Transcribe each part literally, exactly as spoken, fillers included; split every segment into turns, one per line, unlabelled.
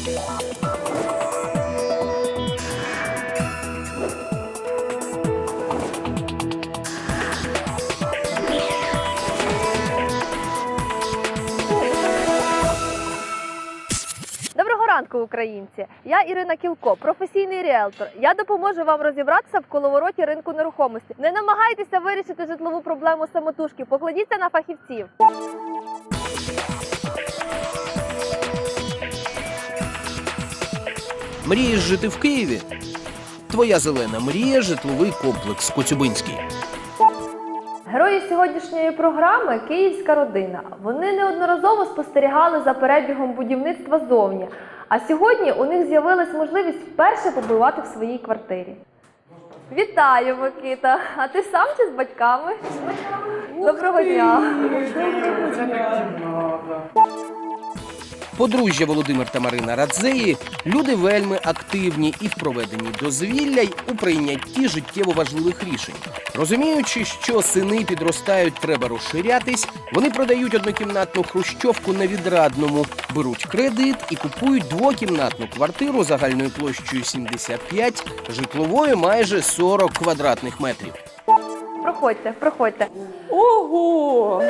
Доброго ранку, українці! Я Ірина Кілко, професійний ріелтор. Я допоможу вам розібратися в коловороті ринку нерухомості. Не намагайтеся вирішити житлову проблему самотужки, покладіться на фахівців.
Мрієш жити в Києві? Твоя зелена мрія – житловий комплекс Коцюбинський.
Герої сьогоднішньої програми – київська родина. Вони неодноразово спостерігали за перебігом будівництва ззовні. А сьогодні у них з'явилась можливість вперше побувати в своїй квартирі. Вітаю, Микита! А ти сам чи з батьками? З батьками. Доброго дня!
Подружжя Володимир та Марина Радзеї – люди вельми активні і в проведенні дозвілля, й у прийнятті життєво важливих рішень. Розуміючи, що сини підростають, треба розширятись, вони продають однокімнатну хрущовку на Відрадному, беруть кредит і купують двокімнатну квартиру загальною площею сімдесят п'ять, житловою майже сорок квадратних метрів.
Проходьте, проходьте.
Ого!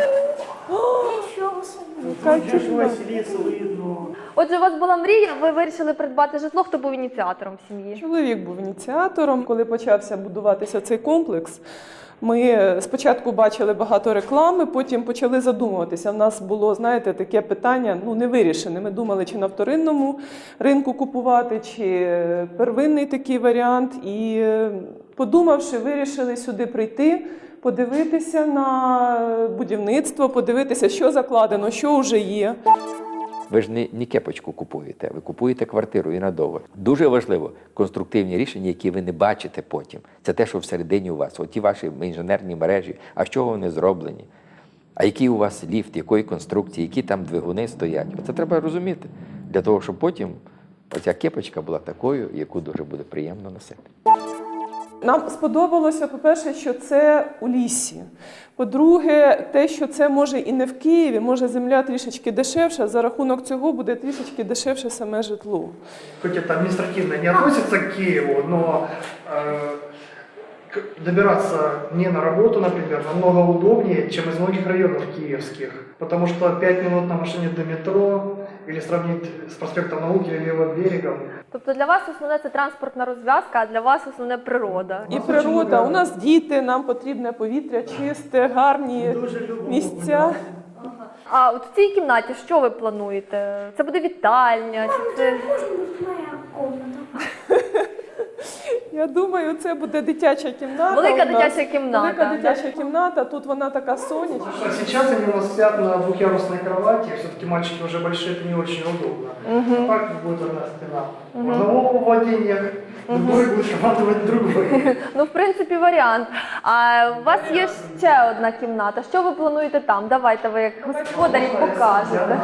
Отже, у вас була мрія, ви вирішили придбати житло, хто був ініціатором в сім'ї?
Чоловік був ініціатором. Коли почався будуватися цей комплекс, ми спочатку бачили багато реклами, потім почали задумуватися. У нас було, знаєте, таке питання, ну, не вирішене. Ми думали, чи на вторинному ринку купувати, чи первинний такий варіант. І подумавши, вирішили сюди прийти, подивитися на будівництво, подивитися, що закладено, що вже є.
Ви ж не, не кепочку купуєте, ви купуєте квартиру і надовго. Дуже важливо конструктивні рішення, які ви не бачите потім. Це те, що всередині у вас. Оті ваші інженерні мережі, а з чого вони зроблені? А який у вас ліфт, якої конструкції, які там двигуни стоять. Оце треба розуміти, для того, щоб потім оця кепочка була такою, яку дуже буде приємно носити.
Нам сподобалося, по-перше, що це у лісі. По-друге, те, що це може і не в Києві, може земля трішечки дешевша, за рахунок цього буде трішечки дешевше саме житло.
Хоть это административно не относится к Киеву, но э, добираться не на работу, например, намного удобнее, чем из многих районов киевских. Потому что пять минут на машине до метро, или сравнить с проспектом Науки или Левым берегом.
Тобто для вас основне це транспортна розв'язка, а для вас основне природа.
І природа. У нас діти, нам потрібне повітря чисте, гарні місця.
А от в цій кімнаті що ви плануєте? Це буде вітальня? Чи це...
Моя комната.
Я думаю, це буде дитяча кімната.
Велика
у нас.
дитяча кімната.
Велика дитяча кімната, тут вона така сонячна.
Сейчас они у нас спят на двухъярусной кровати, все-таки мальчики уже большие, это не очень удобно.
Угу.
А так будет одна стена. У одного в владениях, другой будет командовать другой.
Ну, в принципі, варіант. А у вас є ще одна кімната. Що ви плануєте там? Давайте ви як господарі покажете.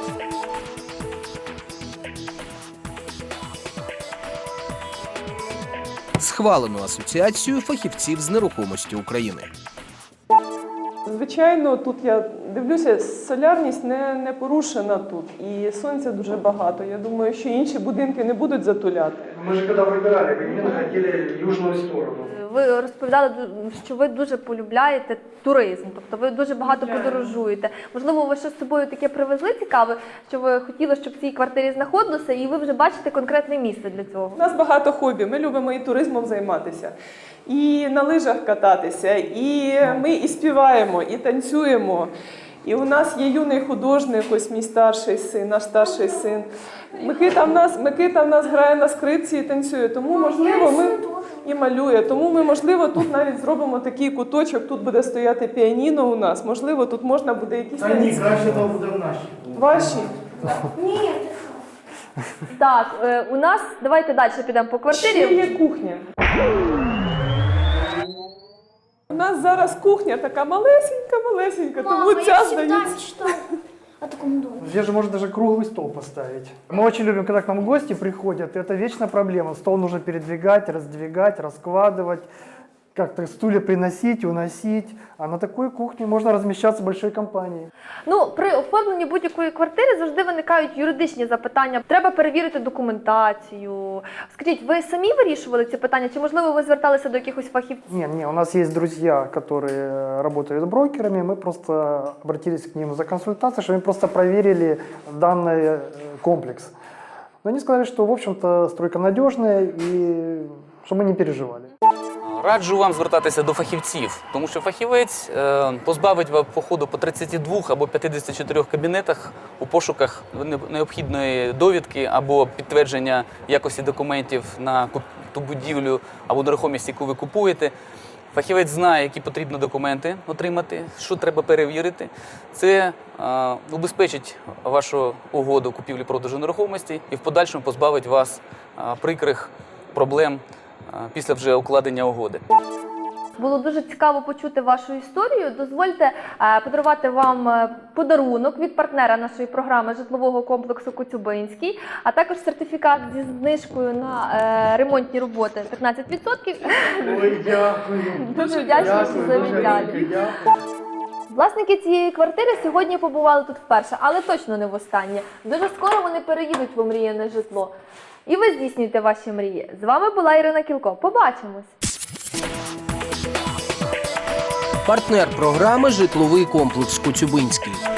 Схвалену асоціацію фахівців з нерухомості України.
Звичайно, тут я дивлюся, солярність не, не порушена тут, і сонця дуже багато. Я думаю, що інші будинки не будуть затуляти.
Мы же когда выбирали, именно хотели южную сторону.
Ви розповідали, що ви дуже полюбляєте туризм, тобто ви дуже багато подорожуєте. Можливо, ви щось з собою таке привезли цікаве, що ви хотіли, щоб в цій квартирі знаходилося, і ви вже бачите конкретне місце для цього?
У нас багато хобі, ми любимо і туризмом займатися, і на лижах кататися, і ми і співаємо, і танцюємо. І у нас є юний художник, ось мій старший син, наш старший син. Микита в нас, Микита в нас грає на скрипці і танцює, тому, можливо, ми і малює. Тому ми, можливо, тут навіть зробимо такий куточок, тут буде стояти піаніно у нас, можливо, тут можна буде якісь...
А ні, краще то буде наші.
Ваші?
Ні,
Так, е, у нас, давайте далі підемо по
Ще
квартирі.
є кухня. У нас зараз кухня така малесенька-малесенька, тому
мама,
ця
я всегда
здається...
мечтала о таком доме.
Здесь же можно даже круглый стол поставить. Мы очень любим, когда к нам гости приходят, и это вечная проблема. Стол нужно передвигать, раздвигать, раскладывать.
как-то стулья приносить, уносить. А на такой кухне можно размещаться большой компанией.
Ну, при оформленні будь-якої квартири завжди виникають юридичні запитання. Треба перевірити документацію. Скажіть, ви самі вирішували ці питання, чи, можливо, ви зверталися до якихось фахівців?
Не, не, у нас есть друзья, которые работают брокерами. Мы просто обратились к ним за консультацией, чтобы они просто проверили данный э, комплекс. Но они сказали, что, в общем-то, стройка надежная и чтобы мы не переживали.
Раджу вам звертатися до фахівців, тому що фахівець е, позбавить вас походу по тридцяти двох або п'ятдесяти чотирьох кабінетах у пошуках необхідної довідки або підтвердження якості документів на ту будівлю або нерухомість, яку ви купуєте. Фахівець знає, які потрібно документи отримати, що треба перевірити. Це е, убезпечить вашу угоду купівлі-продажу нерухомості і в подальшому позбавить вас е, прикрих проблем після вже укладення угоди.
Було дуже цікаво почути вашу історію. Дозвольте е, подарувати вам е, подарунок від партнера нашої програми житлового комплексу Коцюбинський, а також сертифікат зі знижкою на е, ремонтні роботи п'ятнадцять відсотків.
Ой, дякую.
Дуже вдячна, що завітали. Власники цієї квартири сьогодні побували тут вперше, але точно не востаннє. Дуже скоро вони переїдуть в омріяне житло. І ви здійснюєте ваші мрії. З вами була Ірина Кілко. Побачимось!
Партнер програми «Житловий комплекс Коцюбинський».